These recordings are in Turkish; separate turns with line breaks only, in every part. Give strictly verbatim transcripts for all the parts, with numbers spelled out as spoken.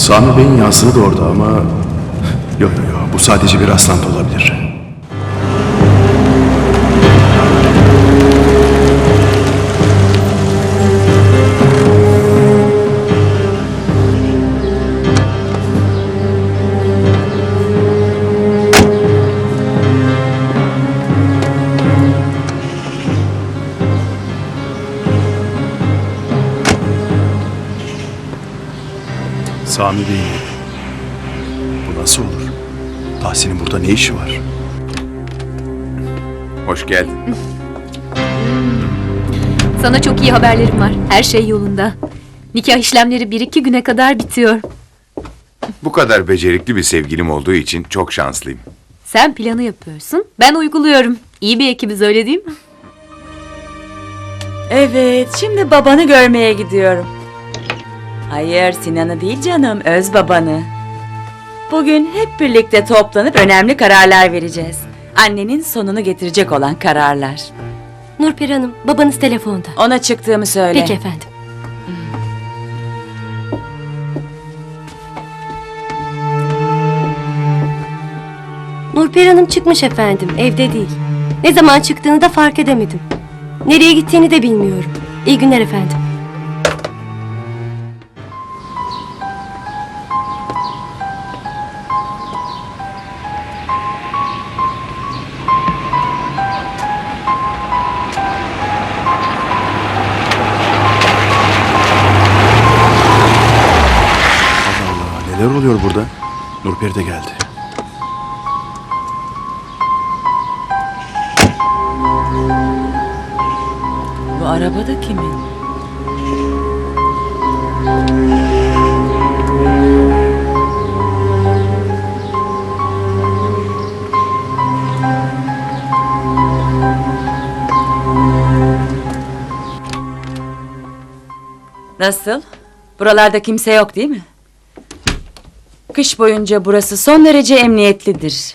Sami Bey'in yansığı da orada ama... Yok yok yok, bu sadece bir rastlantı olabilir. Sami Bey'in evi. Bu nasıl olur? Tahsin'in burada ne işi var?
Hoş geldin.
Sana çok iyi haberlerim var. Her şey yolunda. Nikah işlemleri bir iki güne kadar bitiyor.
Bu kadar becerikli bir sevgilim olduğu için çok şanslıyım.
Sen planı yapıyorsun, ben uyguluyorum. İyi bir ekibiz, öyle değil mi?
Evet, şimdi babanı görmeye gidiyorum. Hayır, Sinan'ı değil canım, öz babanı. Bugün hep birlikte toplanıp önemli kararlar vereceğiz. Annenin sonunu getirecek olan kararlar.
Nurperi Hanım, babanız telefonda.
Ona çıktığımı söyle.
Peki efendim. Nurperi Hanım çıkmış efendim, evde değil. Ne zaman çıktığını da fark edemedim. Nereye gittiğini de bilmiyorum. İyi günler efendim.
Allah Allah, neler oluyor burada? Nurperi de geldi.
Bu araba da kimin? Nasıl? Buralarda kimse yok değil mi? Kış boyunca burası son derece emniyetlidir.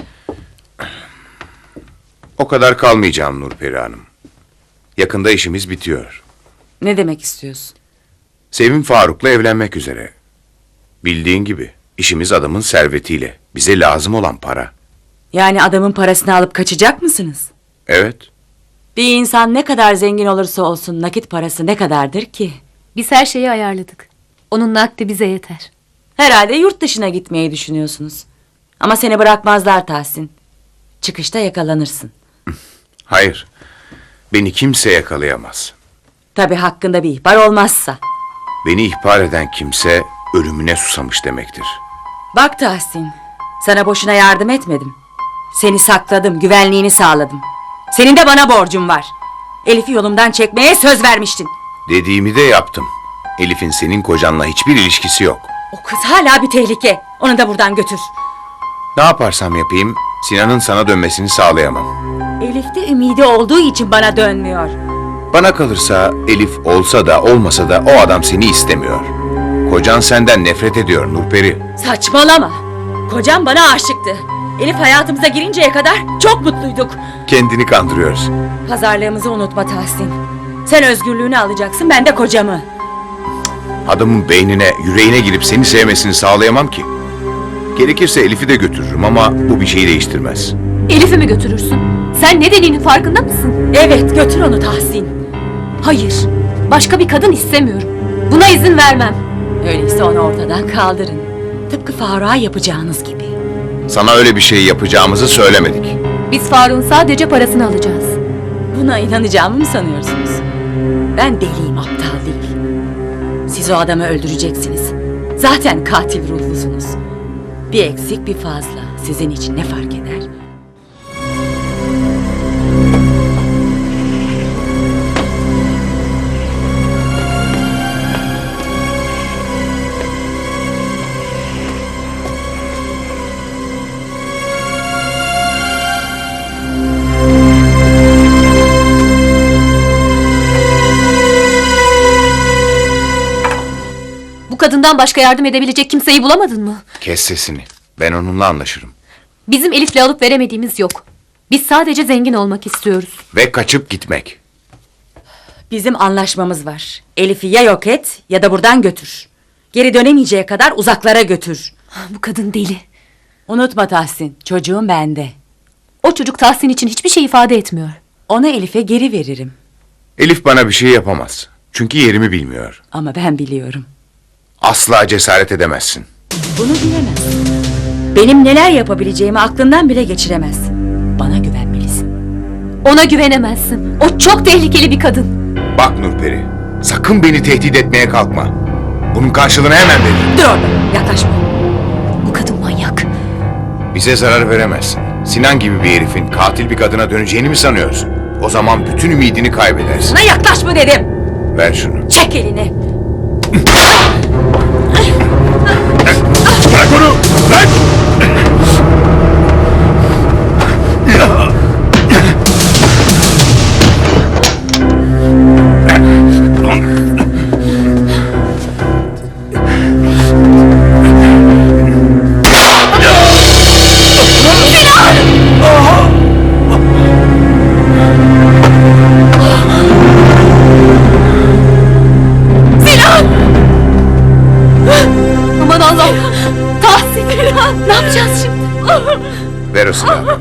O kadar kalmayacağım Nurperi Hanım. Yakında işimiz bitiyor.
Ne demek istiyorsun?
Sevim Faruk'la evlenmek üzere. Bildiğin gibi işimiz adamın servetiyle. Bize lazım olan para.
Yani adamın parasını alıp kaçacak mısınız?
Evet.
Bir insan ne kadar zengin olursa olsun nakit parası ne kadardır ki?
Biz her şeyi ayarladık. Onun nakdi bize yeter.
Herhalde yurt dışına gitmeyi düşünüyorsunuz. Ama seni bırakmazlar Tahsin. Çıkışta yakalanırsın.
Hayır. Beni kimse yakalayamaz.
Tabii hakkında bir ihbar olmazsa.
Beni ihbar eden kimse ölümüne susamış demektir.
Bak Tahsin, sana boşuna yardım etmedim. Seni sakladım, güvenliğini sağladım. Senin de bana borcun var. Elif'i yolumdan çekmeye söz vermiştin.
Dediğimi de yaptım. Elif'in senin kocanla hiçbir ilişkisi yok.
O kız hala bir tehlike. Onu da buradan götür.
Ne yaparsam yapayım Sinan'ın sana dönmesini sağlayamam.
Elif'te ümidi olduğu için bana dönmüyor.
Bana kalırsa Elif olsa da olmasa da o adam seni istemiyor. Kocan senden nefret ediyor Nurperi.
Saçmalama. Kocam bana aşıktı. Elif hayatımıza girinceye kadar çok mutluyduk.
Kendini kandırıyorsun.
Pazarlığımızı unutma Tahsin. Sen özgürlüğünü alacaksın, ben de kocamı.
Adamın beynine, yüreğine girip seni sevmesini sağlayamam ki. Gerekirse Elif'i de götürürüm ama bu bir şeyi değiştirmez.
Elif'i mi götürürsün? Sen ne dediğinin farkında mısın?
Evet, götür onu Tahsin.
Hayır, başka bir kadın istemiyorum. Buna izin vermem.
Öyleyse onu ortadan kaldırın. Tıpkı Faruk'a yapacağınız gibi.
Sana öyle bir şey yapacağımızı söylemedik.
Biz Faruk'un sadece parasını alacağız.
Buna inanacağımı mı sanıyorsunuz? Ben deliyim, aptal değil. Siz o adamı öldüreceksiniz. Zaten katil ruhlusunuz. Bir eksik bir fazla sizin için ne fark eder?
Bu kadından başka yardım edebilecek kimseyi bulamadın mı?
Kes sesini. Ben onunla anlaşırım.
Bizim Elif'le alıp veremediğimiz yok. Biz sadece zengin olmak istiyoruz.
Ve kaçıp gitmek.
Bizim anlaşmamız var. Elif'i ya yok et ya da buradan götür. Geri dönemeyeceği kadar uzaklara götür.
Bu kadın deli.
Unutma Tahsin, çocuğum bende.
O çocuk Tahsin için hiçbir şey ifade etmiyor.
Onu Elif'e geri veririm.
Elif bana bir şey yapamaz. Çünkü yerimi bilmiyor.
Ama ben biliyorum.
Asla cesaret edemezsin.
Bunu bilemezsin. Benim neler yapabileceğimi aklından bile geçiremezsin. Bana güvenmelisin.
Ona güvenemezsin. O çok tehlikeli bir kadın.
Bak Nurperi, sakın beni tehdit etmeye kalkma. Bunun karşılığını hemen veririm.
Dur orada, yaklaşma.
Bu kadın manyak.
Bize zarar veremezsin. Sinan gibi bir herifin katil bir kadına döneceğini mi sanıyorsun? O zaman bütün ümidini kaybedersin.
Sana yaklaşma dedim.
Ver şunu.
Çek elini.
Bırak onu! Bırak!
Aman Allah'ım. Tahsin. Ne yapacağız şimdi?
Ver o silahı.